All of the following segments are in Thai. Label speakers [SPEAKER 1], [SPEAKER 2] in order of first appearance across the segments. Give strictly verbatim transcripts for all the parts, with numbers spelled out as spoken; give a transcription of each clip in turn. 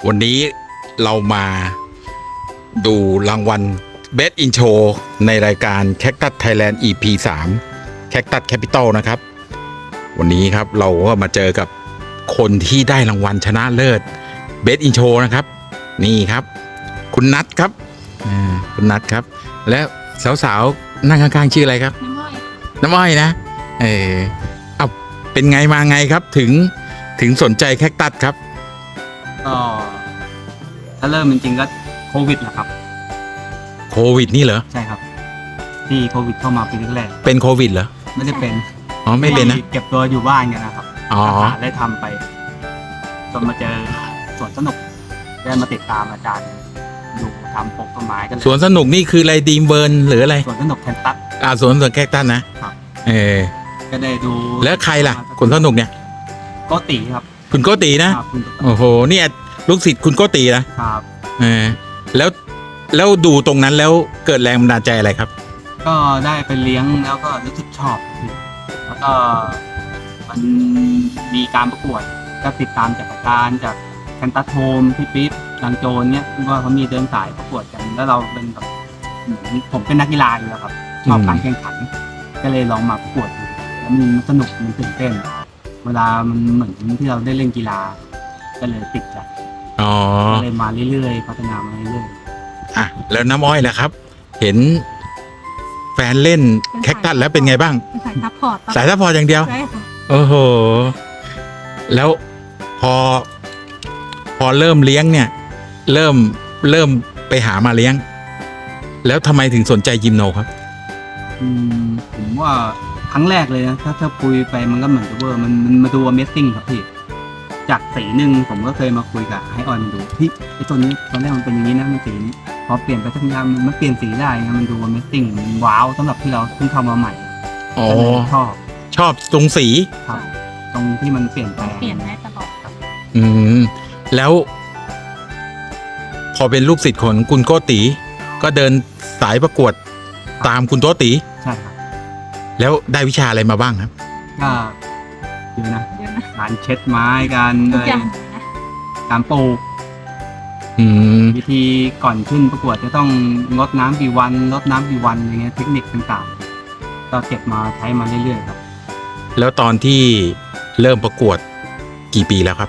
[SPEAKER 1] วันนี้เรามาดูรางวัล Best in Show ในรายการ Cactus Thailand อี พี สาม Cactus Capital นะครับวันนี้ครับเราก็มาเจอกับคนที่ได้รางวัลชนะเลิศ Best in Show นะครับนี่ครับคุณนัทครับอ่าคุณนัทครับแล้วสาวๆนั่งข้างๆชื่ออะไรครับ
[SPEAKER 2] น้ำอ้อย
[SPEAKER 1] น้ำอ้อยนะเออเอาเป็นไงมาไงครับถึงถึงสนใจแคคตัสครับ
[SPEAKER 3] ก็ถ้าเริ่มจริงๆก็โควิดแหละครับ
[SPEAKER 1] โควิดนี่เหรอ
[SPEAKER 3] ใช่ครับ ที่โควิดเข้ามาปีแรก
[SPEAKER 1] เป็นโควิดเหรอ
[SPEAKER 3] ๆไม่ได้เป็น
[SPEAKER 1] อ๋อไม่เป็นนะ
[SPEAKER 3] ที่เก็บตัวอยู่บ้านกันนะครับ
[SPEAKER 1] อ๋อ
[SPEAKER 3] หาได้ทำไปจนมาเจอสวนสนุกได้มาติดตามอาจารย์ดูทำปลูกต้นไม้กันเลย
[SPEAKER 1] สวนสนุกนี่คืออะไรดีมเบิร์นหรืออะไร
[SPEAKER 3] สวนสนุกแคนตัส
[SPEAKER 1] อ่าสวนสวนแคคตัสนะครับ เออ
[SPEAKER 3] ก็ได้ดู
[SPEAKER 1] แล้วใครล่ะคนสนุกเนี่ย
[SPEAKER 3] โกติครับ
[SPEAKER 1] คุณโกตีนะครับ
[SPEAKER 3] คุณโกติ
[SPEAKER 1] โอ้โหเนี่ยลูกศิษย์คุณโกตีนะครับ เออแล้วแล้วดูตรงนั้นแล้วเกิดแรงบันดาลใจอะไรครับ
[SPEAKER 3] ก็ได้ไปเลี้ยงแล้วก็รู้สึกชอบ แล้วก็มันมีการประกวดก็ติดตามจากอาจารย์จากแคนตัสโฮมพี่ปิ๊บลังโจนเนี่ยว่าเขามีเดินสายประกวดกัน แล้วเราเป็นแบบเหมือนผมเป็นนักกีฬาอยู่แล้วครับชอบการแข่งขัน ก็เลยลองมาประกวดดูแล้วมันสนุกมันตื่นเต้น เวลามันเหมือนที่เราได้เล่นกีฬา ก็เลยติดใจ
[SPEAKER 1] อ๋อ
[SPEAKER 3] ก็เลยมาเรื่อยๆพัฒนามาเรื่อย
[SPEAKER 1] อ่ะแล้วน้ำอ้อยล่ะครับ เห็นแฟนเล่นแคคตัสแล้วเป็นไงบ้าง
[SPEAKER 2] เป็นสายซัพพอร์ต
[SPEAKER 1] สายซัพพอร์ตอย่างเดียว
[SPEAKER 2] ใช่ค่ะ
[SPEAKER 1] โอ้โห แล้วพอ พอเริ่มเลี้ยงเนี่ย เริ่มเริ่มไปหามาเลี้ยง แล้วทำไมถึงสนใจยิมโนครับ
[SPEAKER 3] ๆอืมผมว่าครั้งแรกเลยนะถ้าถ้าคุยไปมันก็เหมือนกับว่ามันมันมาดู Amazing ครับพี่ จากสีหนึ่งผมก็เคยมาคุยกับให้ออนดูพี่ไอ้ตัวนี้ตอนแรกมันเป็นอย่างนี้นะมันสีนี้พอเปลี่ยนไปสักอย่างมันเปลี่ยนสีได้นะมันดู Amazing มันว้าวสำหรับที่เราเพิ่งเข้ามาใหม่
[SPEAKER 1] อ๋อ
[SPEAKER 3] ก็เลยชอบ
[SPEAKER 1] ชอบตรงสี
[SPEAKER 3] ครับ ตรงที่มันเปลี่ยนแปลง
[SPEAKER 2] เปลี่ยนได้ตลอดครับ
[SPEAKER 1] อืม แล้ว พอเป็นลูกศิษย์ของคุณโกตีก็เดินสายประกวดตามคุณโกตี
[SPEAKER 3] ใช่ครับ
[SPEAKER 1] แล้วได้วิชาอะไรมาบ้างครับ
[SPEAKER 3] ก็เยอะนะ
[SPEAKER 2] เยอะนะ
[SPEAKER 3] การเช็ดไม้การ
[SPEAKER 2] ทุกอย่างนะ
[SPEAKER 3] การปลูก
[SPEAKER 1] อืม
[SPEAKER 3] วิธีก่อนขึ้นประกวดจะต้องงดน้ำกี่วันลดน้ำกี่วันอะไรเงี้ยเทคนิคต่างๆก็เก็บมาใช้มาเรื่อยๆครับ
[SPEAKER 1] แล้วตอนที่เริ่มประกวดกี่ปีแล้วครับ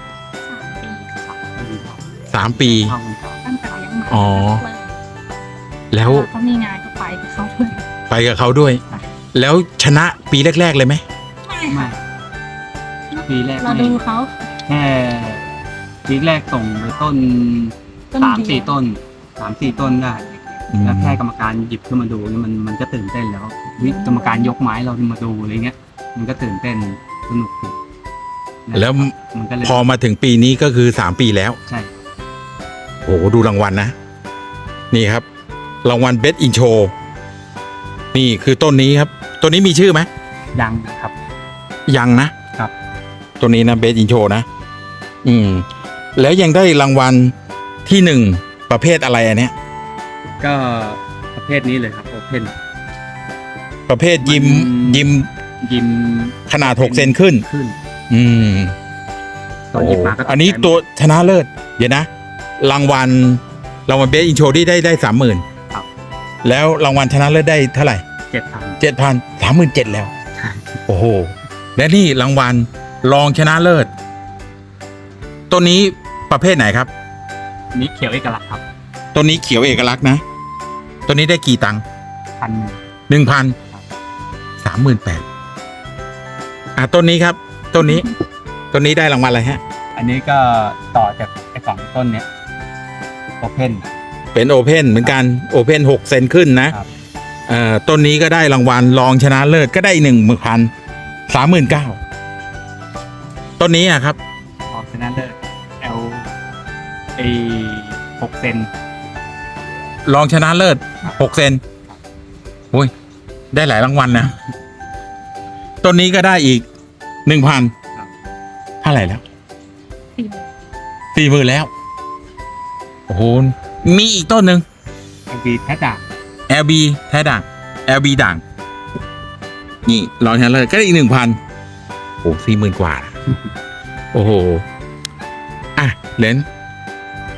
[SPEAKER 2] สามปีค่ะ
[SPEAKER 1] สามปี
[SPEAKER 3] เข้ากันครับ
[SPEAKER 2] ตั้งแต่เลี้ยงมา
[SPEAKER 1] อ๋อ
[SPEAKER 2] เริ่ม
[SPEAKER 1] แล้ว
[SPEAKER 2] เขามีงานก็ไปกับเขาด้วย
[SPEAKER 1] ไปกับเขาด้วย แล้วชนะปีแรก ๆ เลยไหม
[SPEAKER 2] ไม่
[SPEAKER 3] ไม่
[SPEAKER 2] ค่ะ
[SPEAKER 3] ปีแรก
[SPEAKER 2] เรา
[SPEAKER 3] ไม่
[SPEAKER 2] ดูเขา
[SPEAKER 3] แค่ปีแรกส่งไปต้น
[SPEAKER 2] ต้น
[SPEAKER 3] สาม
[SPEAKER 2] เดียว
[SPEAKER 3] สี่ต้นสามสี่ต้นได้
[SPEAKER 1] อืม
[SPEAKER 3] แล้วแค่กรรมการหยิบขึ้นมาดูนี่มันมันก็ตื่นเต้นแล้ววิกรรมการยกไม้เราขึ้นมาดูอะไรเงี้ย มันก็ตื่นเต้นสนุกดี
[SPEAKER 1] แล้ว
[SPEAKER 3] มันก็เลย
[SPEAKER 1] พอมาถึงปีนี้ก็คือสามปีแล้ว
[SPEAKER 3] ใช่
[SPEAKER 1] โอ้โหดูรางวัลนะ นี่ครับ รางวัล Best in Show นี่คือต้นนี้ครับ ต้นนี้มีชื่อไหม
[SPEAKER 3] ยังครับ
[SPEAKER 1] ยังนะครับ ต้นนี้นะ Best in Show นะ อืม แล้วยังได้รางวัลที่หนึ่งประเภทอะไรอันเนี้ย
[SPEAKER 3] ก็ประเภทนี้เลยครับโอเพน
[SPEAKER 1] ประเภทยิม
[SPEAKER 3] มัน
[SPEAKER 1] ยิม
[SPEAKER 3] ยิม
[SPEAKER 1] ขนาดหกเซนขึ้น
[SPEAKER 3] ขึ้น
[SPEAKER 1] อืม
[SPEAKER 3] ตอนหยิบมาก็
[SPEAKER 1] อันนี้ตัวชนะเลิศ เดี๋ยวนะ รางวัลรางวัล Best in Show ที่ได้ได้สามหมื่น
[SPEAKER 3] ครับ
[SPEAKER 1] แล้วรางวัลชนะเลิศได้เท่าไหร่
[SPEAKER 3] เจ็ดพัน
[SPEAKER 1] เจ็ดพันสามหมื่นเจ็ดแล้ว
[SPEAKER 3] ใช่
[SPEAKER 1] โอ้โห และนี่รางวัลรองชนะเลิศต้นนี้ประเภทไหนครับ
[SPEAKER 3] นี่เขียวเอกลักษณ์ครับ
[SPEAKER 1] ต้นนี้เขียวเอกลักษณ์นะต้นนี้ได้กี่ตังค์
[SPEAKER 3] พัน
[SPEAKER 1] หนึ่งพันสามหมื่นแปดอ่ะต้นนี้ครับ ต้นนี้ ต้นนี้ได้รางวัลอะไรฮะ
[SPEAKER 3] อันนี้ก็ต่อจากไอ้สองต้นเนี้ยโอเพน
[SPEAKER 1] เป็นโอเพนเหมือนกันโอเพนหกเซนขึ้นนะครับ เอ่อต้นนี้ก็ได้รางวัลรองชนะเลิศก็ได้หนึ่งพันสามหมื่นเก้าต้นนี้อะครับ
[SPEAKER 3] ออกชนะเลิศเอลไอหกเซน
[SPEAKER 1] รองชนะเลิศหกเซนโอ้ย ได้หลายรางวัลนะ ต้นนี้ก็ได้อีกหนึ่งพันเท่าไหร่แล้ว
[SPEAKER 2] สี่หมื่น
[SPEAKER 1] สี่หมื่นแล้ว โอ้โห มีอีกต้นหนึ่ง
[SPEAKER 3] ไอบีแท้ด่าง
[SPEAKER 1] แอล บี แท้ด่าง แอล บี ด่าง นี่รองชนะเลิศก็ได้อีกหนึ่งพันโอ้สี่หมื่นกว่า โอ้โห อ่ะเลน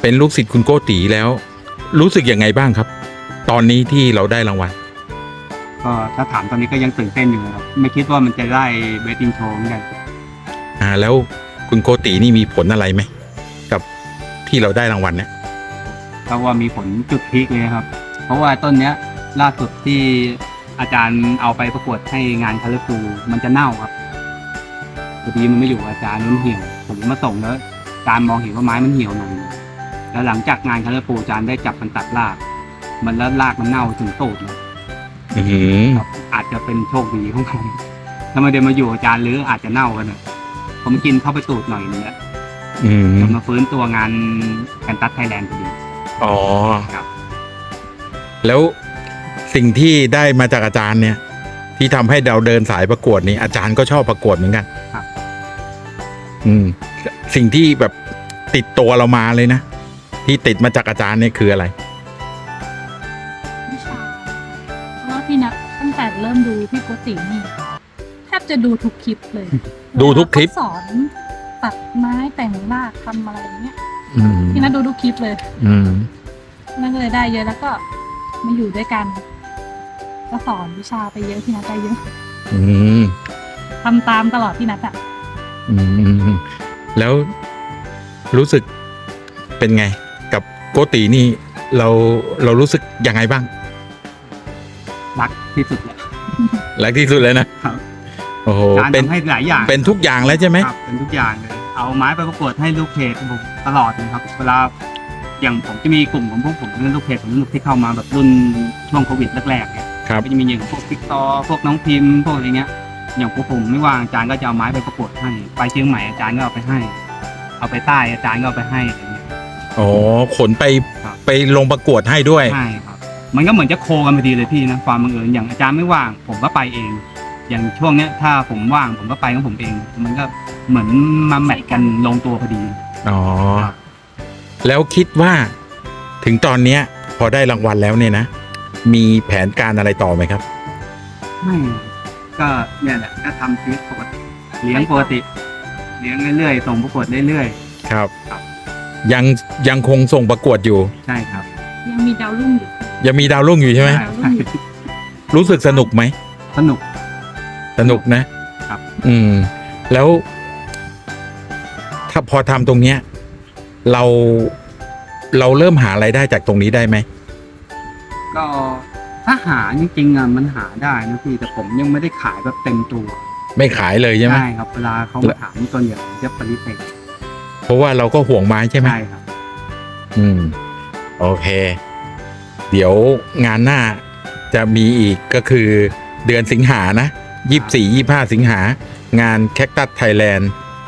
[SPEAKER 1] เป็นลูกศิษย์คุณโกตีแล้ว รู้สึกยังไงบ้างครับ ตอนนี้ที่เราได้รางวัล
[SPEAKER 3] ก็ถ้าถามตอนนี้ก็ยังตื่นเต้นอยู่ครับไม่คิดว่ามันจะได้เบสอินโชว์เหมือนกัน
[SPEAKER 1] อ่าแล้วคุณโกตีนี่มีผลอะไรไหมกับที่เราได้รางวัลเนี่ย
[SPEAKER 3] เพราะว่ามีผลจุดพีคเลยครับ เพราะว่าต้นเนี้ยล่าสุดที่อาจารย์เอาไปประกวดให้งานคาลิฟูมันจะเน่าครับพอดีมันไม่อยู่อาจารย์มันเหี่ยวผมมาส่งแล้วอาจารย์มองเห็นว่าไม้มันเหี่ยวหน่อยแล้วหลังจากงานคาลิฟูอาจารย์ได้จับมันตัดราก มันแล้วรากมันเน่าถึงตูดเลย
[SPEAKER 1] อือหือ
[SPEAKER 3] ครับอาจจะเป็นโชคดีของผมถ้าไม่ได้มาอยู่อาจารย์หรืออาจจะเน่ากันนะผมกินเข้าไปตูดหน่อยนึงแล้ว
[SPEAKER 1] อืม
[SPEAKER 3] จนมาฟื้นตัวงานแคนตัสไทยแลนด์พอดี
[SPEAKER 1] อ๋อ
[SPEAKER 3] ครับ
[SPEAKER 1] แล้วสิ่งที่ได้มาจากอาจารย์เนี่ย ที่ทำให้เราเดินสายประกวดนี่อาจารย์ก็ชอบประกวดเหมือนกัน
[SPEAKER 3] ครับ
[SPEAKER 1] อืม สิ่งที่แบบติดตัวเรามาเลยนะ ที่ติดมาจากอาจารย์เนี่ยคืออะไร
[SPEAKER 2] วิชาเพราะว่าพี่นัทตั้งแต่เริ่มดูพี่โกตินี่แทบจะดูทุกคลิปเลย
[SPEAKER 1] ดูทุกคลิป
[SPEAKER 2] เขาสอนตัดไม้แต่งรากทำอะไรเงี้ย
[SPEAKER 1] อืม
[SPEAKER 2] พี่นัทดูทุกคลิปเลย
[SPEAKER 1] อืม
[SPEAKER 2] นั่นก็เลยได้เยอะแล้วก็มาอยู่ด้วยกัน ก็สอนวิชาไปเยอะพี่นัทได้เยอะ
[SPEAKER 1] อืม
[SPEAKER 2] ทำตามตลอดพี่นัทอ่ะ
[SPEAKER 1] อืม แล้วรู้สึกเป็นไง กับโกตีนี่เราเรารู้สึกยังไงบ้าง
[SPEAKER 3] รักที่สุดเลย
[SPEAKER 1] รักที่สุดเลยนะ
[SPEAKER 3] ครับ
[SPEAKER 1] โอ้โห
[SPEAKER 3] การ
[SPEAKER 1] เป็น
[SPEAKER 3] ทำให้หลายอย่าง
[SPEAKER 1] เป็นทุกอย่างแล้วใช่ไหม
[SPEAKER 3] ครับเป็นทุกอย่างเลย เอาไม้ไปประกวดให้ลูกเพจผมตลอดเลยครับ เวลาอย่างผมจะมีกลุ่มของพวกผมเล่นลูกเพจผมลูกที่เข้ามาแบบรุ่นช่วงโควิดแรกๆเนี่ย
[SPEAKER 1] ครับ
[SPEAKER 3] ก็จะมีอย่างพวกติ๊กตอพวกน้องพิมพ์พวกอะไรเงี้ย อย่างพวกผมไม่ว่างอาจารย์ก็จะเอาไม้ไปประกวดให้ ไปเชียงใหม่อาจารย์ก็เอาไปให้ เอาไปใต้อาจารย์ก็เอาไปให้อะไรเงี้ย
[SPEAKER 1] อ๋อ ขนไป
[SPEAKER 3] ครับ
[SPEAKER 1] ไปลงประกวดให้ด้วย
[SPEAKER 3] ใช่ครับ มันก็เหมือนจะโคกันพอดีเลยพี่นะความบังเอิญอย่างอาจารย์ไม่ว่าง ผมก็ไปเอง อย่างช่วงเนี้ยถ้าผมว่างผมก็ไปของผมเอง มันก็เหมือนมาแมทกันลงตัวพอดี
[SPEAKER 1] อ๋อ แล้วคิดว่าถึงตอนเนี้ย พอได้รางวัลแล้วเนี่ยนะ มีแผนการอะไรต่อไหมครับ
[SPEAKER 3] ไม่ก็เนี่ยแหละก็ทำชีวิตปกติเลี้ยงปกติ เลี้ยงเรื่อยๆส่งประกวดเรื่อย
[SPEAKER 1] ครับ
[SPEAKER 3] ครับ
[SPEAKER 1] ยังยังคงส่งประกวดอยู่
[SPEAKER 3] ๆใช่ครับ
[SPEAKER 2] ยังมีดาวรุ่งอยู่
[SPEAKER 1] ยังมีดาวรุ่งอยู่ใช่ไหม
[SPEAKER 3] ใช่ใช่
[SPEAKER 1] รู้สึกสนุกไหม
[SPEAKER 3] สนุก
[SPEAKER 1] สนุกนะครับ อืม แล้ว ถ้าพอทำตรงเนี้ย เราเราเริ่มหารายได้จากตรงนี้ได้ไหม
[SPEAKER 3] ก็ถ้าหาจริงๆอ่ะมันหาได้นะพี่แต่ผมยังไม่ได้ขายแบบเต็มตัว
[SPEAKER 1] ไม่ขายเลยใช่ไหม
[SPEAKER 3] ใช่ครับเวลาเขามาถามตัวอย่างผมจะปฏิเสธ
[SPEAKER 1] เพราะว่าเราก็ห่วงไม้ใช่ไหม
[SPEAKER 3] ใช่ครับ
[SPEAKER 1] อืม โอเค เดี๋ยวงานหน้าจะมีอีกก็คือเดือนสิงหานะยี่สิบสี่ยี่ห้าสิงหางาน Cactus Thailand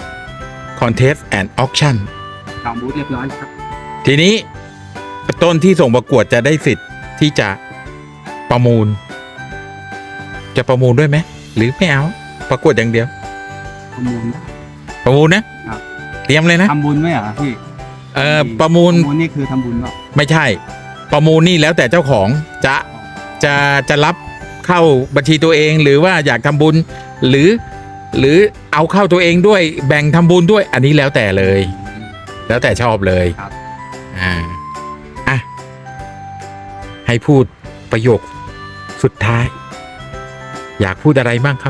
[SPEAKER 1] Contest and Auction
[SPEAKER 3] จองบูธเรียบร้อยแล้วครับ
[SPEAKER 1] ทีนี้ต้นที่ส่งประกวดจะได้สิทธิ์ที่จะประมูล จะประมูลด้วยไหมหรือไม่เอา ประกวดอย่างเดียว
[SPEAKER 3] ประมูลได้
[SPEAKER 1] ประมูลนะครับ เตรียมเลยนะ
[SPEAKER 3] ทำบุญไหมเหรอพี่
[SPEAKER 1] เออประมูล
[SPEAKER 3] ประมูลนี่คือทำบุญเปล่า
[SPEAKER 1] ไม่ใช่ ประมูลนี่แล้วแต่เจ้าของจะจะจะรับเข้าบัญชีตัวเองหรือว่าอยากทำบุญ หรือ หรือเอาเข้าตัวเองด้วยแบ่งทำบุญด้วย อันนี้แล้วแต่เลย แล้วแต่ชอบเลย
[SPEAKER 3] ครับ
[SPEAKER 1] อ่าอ่ะให้พูดประโยคสุดท้าย อยากพูดอะไรบ้างครับ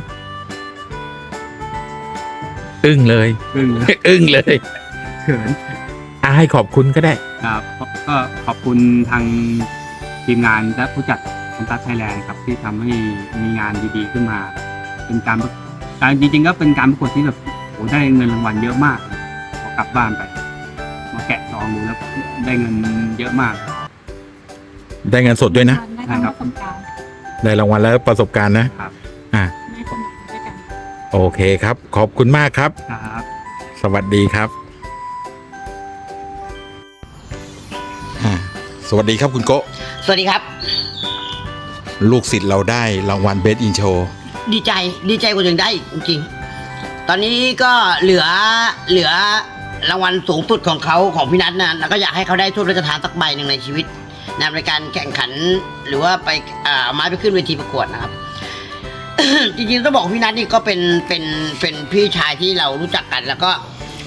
[SPEAKER 1] อึ้งเลย
[SPEAKER 3] ซึ่ง
[SPEAKER 1] อึ้งเลย
[SPEAKER 3] เขิน
[SPEAKER 1] อ่ะให้ขอบคุณก็ได้
[SPEAKER 3] ครับก็ขอบคุณทางทีมงานและผู้จัดคันตัสไทยแลนด์ครับที่ทำให้มีงานดีๆขึ้นมา เป็นการประการจริงๆก็เป็นการประกวดที่แบบโหได้เงินรางวัลเยอะมากพอกลับบ้านไป มาแกะซองดูแล้วได้เงินเยอะมาก
[SPEAKER 1] ได้เงินสดด้วยนะ
[SPEAKER 2] ได้ทั้งประสบการณ์
[SPEAKER 1] ได้รางวัลแล้วประสบการณ์นะครับ อ่ะ
[SPEAKER 2] ได้สนุกด้วยกัน
[SPEAKER 1] โอเคครับ ขอบคุณมากครับ
[SPEAKER 3] ครับ
[SPEAKER 1] สวัสดีครับอ่าสวัสดีครับคุณโกะ
[SPEAKER 4] สวัสดีครับ
[SPEAKER 1] ลูกศิษย์เราได้รางวัลเบสอินโช
[SPEAKER 4] ดีใจดีใจกว่ายังได้อีกจริงๆ ตอนนี้ก็เหลือเหลือรางวัลสูงสุดของเขาของพี่นัทนะแล้วก็อยากให้เขาได้ถ้วยพระราชทานสักใบหนึ่งในชีวิตนะในการแข่งขันหรือว่าไปอ่าเอาไม้ไปขึ้นเวทีประกวดนะครับ จริงๆต้องบอกพี่นัทนี่ก็เป็นเป็นเป็นพี่ชายที่เรารู้จักกัน แล้วก็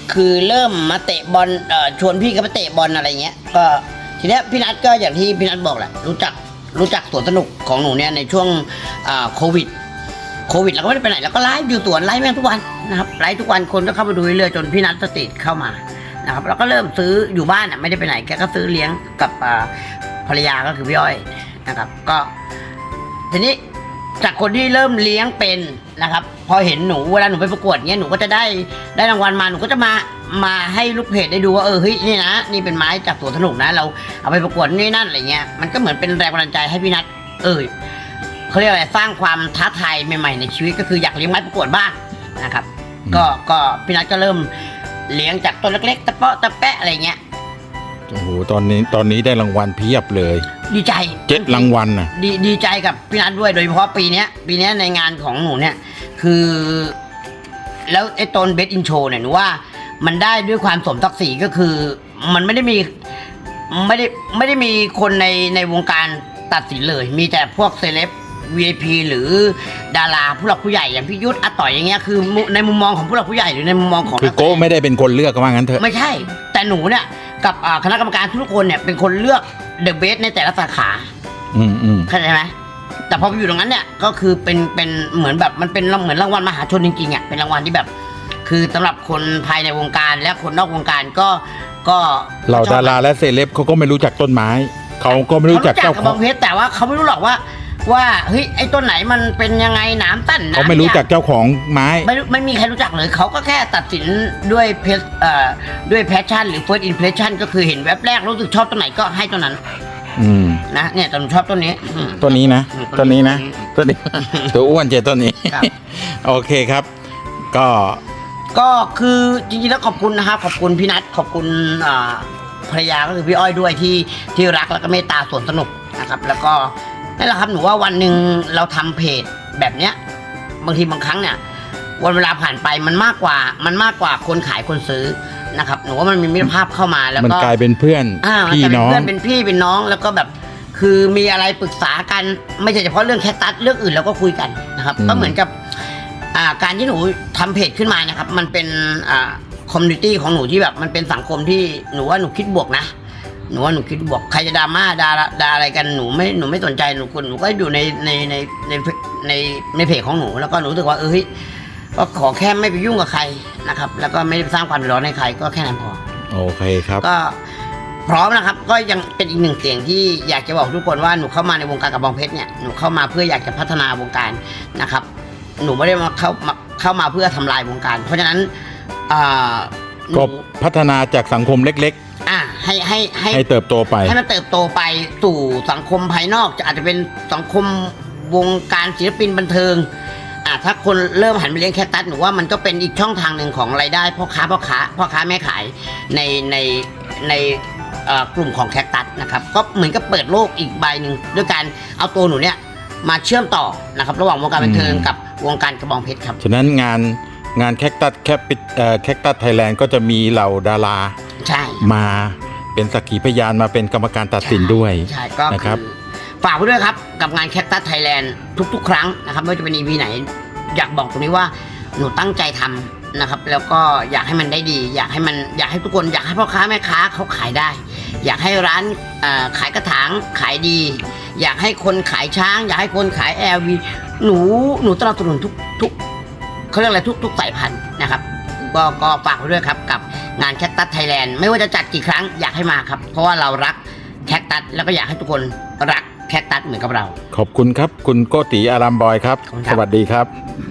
[SPEAKER 4] คือเริ่มมาเตะบอลเอ่อชวนพี่ก็มาเตะบอลอะไรเงี้ยก็ทีเนี้ยพี่นัทก็อย่างที่พี่นัทบอกแหละรู้จักรู้จักสวนสนุกของหนูเนี่ยในช่วงอ่าโควิดโควิดเราก็ไม่ได้ไปไหนเราก็ไลฟ์อยู่สวนไลฟ์แม่งทุกวันนะครับไลฟ์ทุกวันคนก็เข้ามาดูเรื่อยๆจนพี่นัทสติเข้ามานะครับเราก็เริ่มซื้ออยู่บ้านอ่ะไม่ได้ไปไหนแกก็ซื้อเลี้ยงกับอ่าภรรยาก็คือพี่อ้อยนะครับก็ทีนี้จากคนที่เริ่มเลี้ยงเป็นนะครับพอเห็นหนูเวลาหนูไปประกวดเงี้ยหนูก็จะได้ได้รางวัลมาหนูก็จะมามาให้ลูกเพจได้ดูว่าเออเฮ้ยนี่นะนี่เป็นไม้จากสวนสนุกนะเราเอาไปประกวดนี่นั่นอะไรเงี้ยมันก็เหมือนเป็นแรงบันดาลใจให้พี่นัทเออเขาเรียกอะไรสร้างความท้าทายใหม่ๆในชีวิตก็คืออยากเลี้ยงไม้ประกวดบ้างนะครับก็ก็พี่นัทก็เริ่มเลี้ยงจากต้นเล็กๆตะเปาะตะแปะอะไรเงี้ย
[SPEAKER 1] โอ้โหตอนนี้ตอนนี้ได้รางวัลเพียบเลย
[SPEAKER 4] ดีใจ
[SPEAKER 1] เจ็ดรางวัลน่ะ
[SPEAKER 4] ดีดีใจกับพี่นัทด้วยโดยเฉพาะปีเนี้ยปีเนี้ยในงานของหนูเนี่ยคือ แล้วไอ้ตอนเบสอินโชเนี่ยหนูว่ามันได้ด้วยความสมศักดิ์ศรีก็คือ มันไม่ได้มีไม่ได้ไม่ได้มีคนในในวงการตัดสินเลย มีแต่พวกเซเลบ วี ไอ พี หรือดาราผู้หลักผู้ใหญ่อย่างพี่ยุทธอาต่อยอย่างเงี้ยคือในมุมมองของผู้หลักผู้ใหญ่หรือในมุมมองของ
[SPEAKER 1] คือโก้ไม่ได้เป็นคนเลือกก็ว่างั้นเถอะ
[SPEAKER 4] ไม่ใช่ แต่หนูเนี่ยกับอ่าคณะกรรมการทุกคนเนี่ยเป็นคนเลือกเดอะเบสในแต่ละสาขา
[SPEAKER 1] อืมอืม
[SPEAKER 4] เข้าใจไหมแต่พอไปอยู่ตรงนั้นเนี่ยก็คือเป็นเป็นเหมือนแบบมันเป็นเหมือนรางวัลมหาชนจริงๆอ่ะเป็นรางวัลที่แบบ คือสำหรับคนภายในวงการและคนนอกวงการก็ก็
[SPEAKER 1] เหล่าดาราและเซเลบเขาก็ไม่รู้จักต้นไม้เขาก็ไม่รู้จักเจ้า
[SPEAKER 4] ข
[SPEAKER 1] ข
[SPEAKER 4] อ
[SPEAKER 1] อง ง
[SPEAKER 4] เพชรแต่ว่าเขาไม่รู้หรอกว่า ว่าเฮ้ยไอ้ต้นไหนมันเป็นยังไงหนามตั้นหน
[SPEAKER 1] เขาไม่รู้จักเจ้าของไม้
[SPEAKER 4] ไม่รู้ไม่มีใครรู้จักเลยเขาก็แค่ตัดสินด้วยเพชเอ่อด้วยแพชชั่นหรือ first impression ก็คือเห็นแวบแรกรู้สึกชอบต้นไหนก็ให้ต้นนั้น
[SPEAKER 1] อืม
[SPEAKER 4] นะเนี่ยแต่หนูชอบต้นนี้อืม
[SPEAKER 1] ต้นนี้นะ
[SPEAKER 4] อืม
[SPEAKER 1] ต้นนี้นะต้นนี้ ตัวอ้วนเจต้นนี้
[SPEAKER 4] ครับ
[SPEAKER 1] โอเคครับ ก็
[SPEAKER 4] ก็คือจริงๆแล้วขอบคุณนะครับขอบคุณพี่นัทขอบคุณอ่าภรรยาก็คือพี่อ้อยด้วยที่ที่รักแล้วก็เมตตาสวนสนุกนะครับ แล้วก็นั่นแหละครับหนูว่าวันหนึ่งเราทำเพจแบบเนี้ยบางทีบางครั้งเนี่ยวันเวลาผ่านไปมันมากกว่ามันมากกว่าคนขายคนซื้อนะครับหนูว่ามันมีมิตรภาพเข้ามาแล้ว
[SPEAKER 1] มัน
[SPEAKER 4] ก็
[SPEAKER 1] กลายเป็นเพื่อน
[SPEAKER 4] อ่ามัน
[SPEAKER 1] พี่
[SPEAKER 4] จะเป็น
[SPEAKER 1] น้อง
[SPEAKER 4] เพื่อนเป็นพี่เป็นน้องแล้วก็แบบ คือมีอะไรปรึกษากันไม่ใช่เฉพาะเรื่องแคคตัสเรื่องอื่นเราก็คุยกันนะครับ
[SPEAKER 1] อืม
[SPEAKER 4] ก็เหมือนกับอ่าการที่หนูทำเพจขึ้นมานะครับ มันเป็นอ่าคอมมูนิตี้ของหนูที่แบบมันเป็นสังคมที่หนูว่าหนูคิดบวกนะหนูว่าหนูคิดบวกใครจะดราม่าด่าด่าอะไรกันหนูไม่หนูไม่สนใจหนูคุณหนูก็อยู่ในในในในในในเพจของหนูแล้วก็หนูรู้สึกว่าเออเฮ้ยก็ขอแค่ไม่ไปยุ่งกับใครนะครับ แล้วก็ไม่ได้สร้างความเดือดร้อนให้ใครก็แค่นั้นพอ
[SPEAKER 1] โอเคครับ
[SPEAKER 4] ก็พร้อมนะครับ ก็ยังเป็นอีกหนึ่งเสียงที่อยากจะบอกทุกคนว่าหนูเข้ามาในวงการกระบองเพชรเนี่ยหนูเข้ามาเพื่ออยากจะพัฒนาวงการนะครับ หนูไม่ได้มาเข้ามาเข้ามาเพื่อทำลายวงการ เพราะฉะนั้นอ่าหนู
[SPEAKER 1] ก็พัฒนาจากสังคมเล็ก
[SPEAKER 4] อ่าให้ให้ให้
[SPEAKER 1] ๆ ให้เติบโตไป
[SPEAKER 4] ให้มันเติบโตไปสู่สังคมภายนอกจะอาจจะเป็นสังคมวงการศิลปินบันเทิงอ่าถ้าคนเริ่มหันไปเลี้ยงแคคตัสหนูว่ามันก็เป็นอีกช่องทางหนึ่งของรายได้พ่อค้าพ่อค้าพ่อค้าแม่ขายในในในเอ่อกลุ่มของแคคตัสนะครับก็เหมือนกับเปิดโลกอีกใบหนึ่งด้วยการเอาตัวหนูเนี่ยมาเชื่อมต่อนะครับระหว่างวงการบันเทิง
[SPEAKER 1] อืม
[SPEAKER 4] กับวงการกระบองเพชรครับ
[SPEAKER 1] ฉะนั้นงานงานแคคตัสแคปิแคคตัสไทยแลนด์ก็จะมีเหล่าดารา
[SPEAKER 4] ใช่
[SPEAKER 1] มาเป็นสักขีพยานมาเป็นกรรมการตัดสินด้วย
[SPEAKER 4] ใช่ก็
[SPEAKER 1] นะค
[SPEAKER 4] คื
[SPEAKER 1] รั
[SPEAKER 4] อบ ฝากไว้ด้วยครับกับงานแคคตัสไทยแลนด์ทุกๆ ครั้งนะครับไม่ว่าจะเป็น อี พี ไหน อยากบอกตรงนี้ว่าหนูตั้งใจทำนะครับ แล้วก็อยากให้มันได้ดี อยากให้มันอยากให้ทุกคนอยากให้พ่อค้าแม่ค้าเขาขายได้ อยากให้ร้านเอ่อขายกระถางขายดี อยากให้คนขายช้าง อยากให้คนขาย แอล วี หนูหนูสนับสนุนทุกทุกเขาเรียกอะไรทุกทุกสายพันธุ์นะครับก็ก็ฝากไว้ด้วยครับกับงานแคคตัสไทยแลนด์ไม่ว่าจะจัดกี่ครั้งอยากให้มาครับ เพราะว่าเรารักแคคตัสแล้วก็อยากให้ทุกคนรักแคคตัสเหมือนกับเรา
[SPEAKER 1] ขอบคุณครับ คุณโกติอารามบอยครับ
[SPEAKER 4] ขอบคุณครับ
[SPEAKER 1] สวัสดีครับ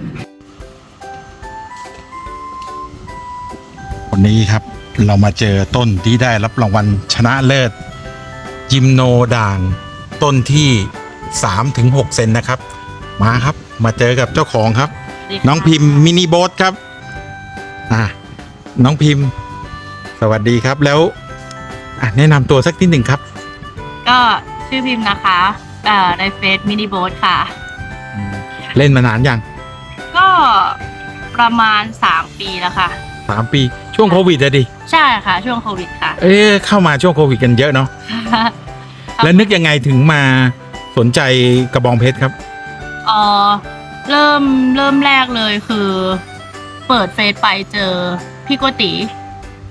[SPEAKER 1] วันนี้ครับเรามาเจอต้นที่ได้รับรางวัลชนะเลิศยิมโนด่างต้นที่ สามถึงหก เซนนะครับ มาครับมาเจอกับเจ้าของครับ น้องพิมพ์มินิโบ๊ทครับอ่ะน้องพิมพ์ สวัสดีครับแล้วอ่ะแนะนำตัวสักนิดหนึ่งครับ
[SPEAKER 2] ก็ชื่อพิมพ์นะคะเอ่อในเฟซมินิโบ๊ทค่ะ
[SPEAKER 1] เล่นมานานยัง
[SPEAKER 2] ก็ประมาณสามปีแล้วค่ะ
[SPEAKER 1] สามปีช่วงโควิดอะดิ
[SPEAKER 2] ใช่ค่ะ ช่วงโควิดค่ะ
[SPEAKER 1] เอ๊ะเข้ามาช่วงโควิดกันเยอะเนาะแล้วนึกยังไงถึงมาสนใจกระบองเพชรครับ
[SPEAKER 2] เออเริ่มเริ่มแรกเลยคือ เปิดเฟซไปเจอพี่โกติ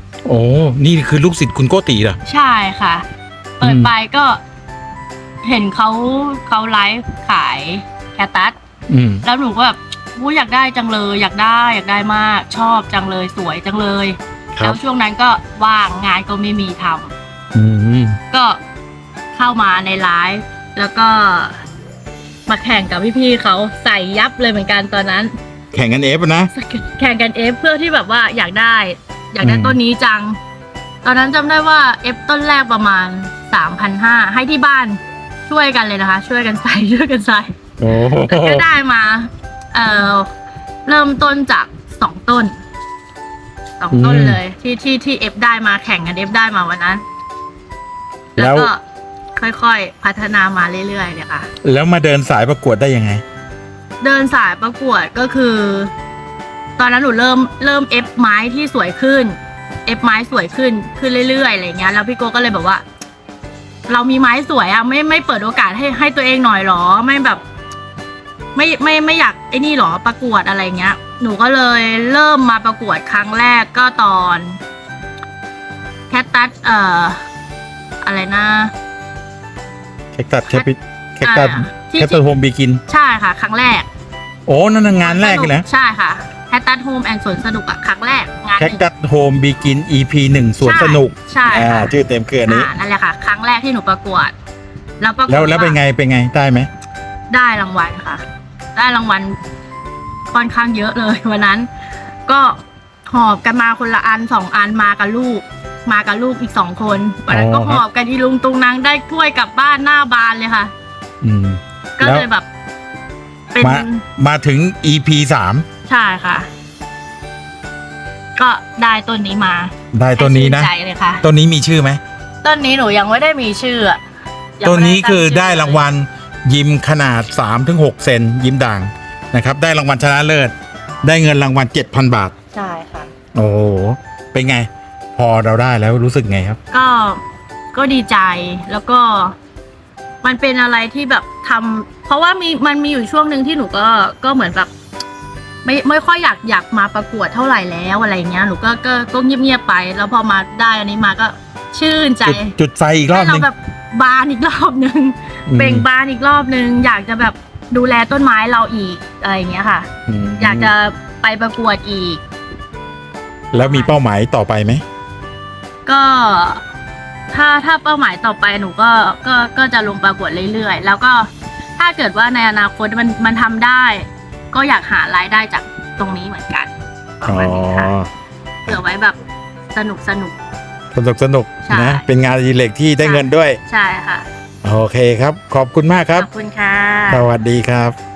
[SPEAKER 1] โอ้นี่คือลูกศิษย์คุณโกติเหรอ
[SPEAKER 2] ใช่ค่ะ เปิดไปก็เห็นเขาเขาไลฟ์ขายแคตตัส
[SPEAKER 1] อืม
[SPEAKER 2] แล้วหนูก็แบบอู้อยากได้จังเลย อยากได้อยากได้มาก ชอบจังเลยสวยจังเลย
[SPEAKER 1] ครั
[SPEAKER 2] แล้
[SPEAKER 1] บ
[SPEAKER 2] วช่วงนั้นก็ว่างงานก็ไม่มีทำ
[SPEAKER 1] อืม
[SPEAKER 2] ก็เข้ามาในไลฟ์แล้วก็มาแข่งกับพี่ๆเขาใส่ยับเลยเหมือนกันตอนนั้น
[SPEAKER 1] แข่งกันเอฟนะ
[SPEAKER 2] แข่งกันเอฟเพื่อที่แบบว่าอยากได้ อยากได้
[SPEAKER 1] อืม
[SPEAKER 2] ต้นนี้จัง ตอนนั้นจำได้ว่าเอฟต้นแรกประมาณสามพันห้าให้ที่บ้านช่วยกันเลยนะคะ ช่วยกันใส่ ช่วยกันใส่
[SPEAKER 1] โอ้
[SPEAKER 2] แล้วก็ได้มา เอ่อเริ่มต้นจากสองต้นสองต้นเลย ที่ที่ที่เอฟได้มาแข่งกันเอฟได้มาวันนั้น แล้
[SPEAKER 1] แล้ว ว
[SPEAKER 2] ก็ค่อยๆพัฒนามาเรื่อยๆเนี่ยค่ะ
[SPEAKER 1] แล้วมาเดินสายประกวดได้ยังไง
[SPEAKER 2] เดินสายประกวดก็คือ ตอนนั้นหนูเริ่มเริ่มเอฟไม้ที่สวยขึ้นเอฟไม้สวยขึ้นขึ้นเรื่อยๆอะไรเงี้ยแล้วพี่โกก็เลยแบบว่า เรามีไม้สวยอะไม่ไม่เปิดโอกาสให้ให้ตัวเองหน่อยหรอไม่แบบ ไม่ไม่ไม่อยากไอ้นี่หรอประกวดอะไรเงี้ย หนูก็เลยเริ่มมาประกวดครั้งแรกก็ตอนแคตตัสเอ่ออะไรนะ
[SPEAKER 1] แคคตัสแคปิแคคตัส
[SPEAKER 2] อ่าที่
[SPEAKER 1] แคคตัสโฮมบีกิน
[SPEAKER 2] ใช่ค่ะ ครั้งแรก
[SPEAKER 1] โอ้นั่นนะงานแรกเลยนะ
[SPEAKER 2] ใช่ค่ะแคตตัสโฮมแอนด์สวนสนุกอะครั้งแรกงานห
[SPEAKER 1] แคค
[SPEAKER 2] นึ่ง
[SPEAKER 1] ตัสโฮมบีกิน อี พี หนึ่งสวนสนุก
[SPEAKER 2] ใช่
[SPEAKER 1] อ่า
[SPEAKER 2] ค่ะ
[SPEAKER 1] ชื่อเต็มคืออันนี้
[SPEAKER 2] อ่านั่นแหละค่ะ ครั้งแรกที่หนูประกวด แล้วปรากฏ
[SPEAKER 1] แล้วแล้วเป็นไงเป็นไงได้ไหม
[SPEAKER 2] ได้รางวัลค่ะ ได้รางวัลค่อนข้างเยอะเลยวันนั้น ก็หอบกันมาคนละอันสองอันมากับลูก มากับลูกอีกสองคนวันนั้นก็หอบกันอีลุงตุงนางได้ถ้วยกลับบ้านหน้าบานเลยค่ะ
[SPEAKER 1] อืม
[SPEAKER 2] ก็
[SPEAKER 1] แล้ว
[SPEAKER 2] เลยแบบ เป็น
[SPEAKER 1] มามาถึง อี พี สาม
[SPEAKER 2] ใช่ค่ะ ก็ได้ต้นนี้มา
[SPEAKER 1] ได้ต้นนี้นะ
[SPEAKER 2] ให้ชื่ใจเลยค่ะ
[SPEAKER 1] ต้นนี้มีชื่อไหม
[SPEAKER 2] ต้นนี้หนูยังไม่ได้มีชื่ออะยัง
[SPEAKER 1] ต้น
[SPEAKER 2] ไม่
[SPEAKER 1] นี้
[SPEAKER 2] ตั้ง
[SPEAKER 1] คือ
[SPEAKER 2] ชื่
[SPEAKER 1] ได้รางวัลยิมขนาด สามถึงหก เซนยิมด่างนะครับ ได้รางวัลชนะเลิศ ได้เงินรางวัล เจ็ดพัน บาท
[SPEAKER 2] ใช่ค่ะ
[SPEAKER 1] โอ้โห เป็นไง พอเราได้แล้วรู้สึกไงครับ
[SPEAKER 2] ก็ก็ดีใจแล้วก็ มันเป็นอะไรที่แบบทำเพราะว่ามีมันมีอยู่ช่วงหนึ่งที่หนูก็ก็เหมือนแบบ ไม่ไม่ค่อยอยากอยากมาประกวดเท่าไหร่แล้วอะไรเงี้ยหนูก็ก็ก็เงียบๆไป แล้วพอมาได้อันนี้มาก็ชื่นใจ
[SPEAKER 1] จุดจุดไฟอีกรอบ
[SPEAKER 2] ให้
[SPEAKER 1] หนึ
[SPEAKER 2] เรา
[SPEAKER 1] ง
[SPEAKER 2] แบบบานอีกรอบหนึ่ง
[SPEAKER 1] อืม
[SPEAKER 2] เบ่งบานอีกรอบหนึ่งอยากจะแบบดูแลต้นไม้เราอีกอะไรอย่างเงี้ยค่ะ
[SPEAKER 1] ม
[SPEAKER 2] อยากจะไปประกวดอีก
[SPEAKER 1] แล้วมีเป้าหมายต่อไปไหม
[SPEAKER 2] ก็ถ้าถ้าเป้าหมายต่อไปหนูก็ก็ก็จะลงประกวดเรื่อยๆ แล้วก็ถ้าเกิดว่าในอนาคตมันมันทำได้ ก็อยากหารายได้จากตรงนี้เหมือนกันประ
[SPEAKER 1] อ๋อ
[SPEAKER 2] มาณนี้ค่ะเผื่อไว้แบบสนุกสนุก
[SPEAKER 1] สนุกสนุก
[SPEAKER 2] ใช่
[SPEAKER 1] นะ เป็นงานอดิเรกที่ได้เงินด้วย
[SPEAKER 2] ใช่ค่ะ
[SPEAKER 1] โอเคครับ ขอบคุณมากครับ
[SPEAKER 2] ขอบคุณค่ะ
[SPEAKER 1] สวัสดีครับ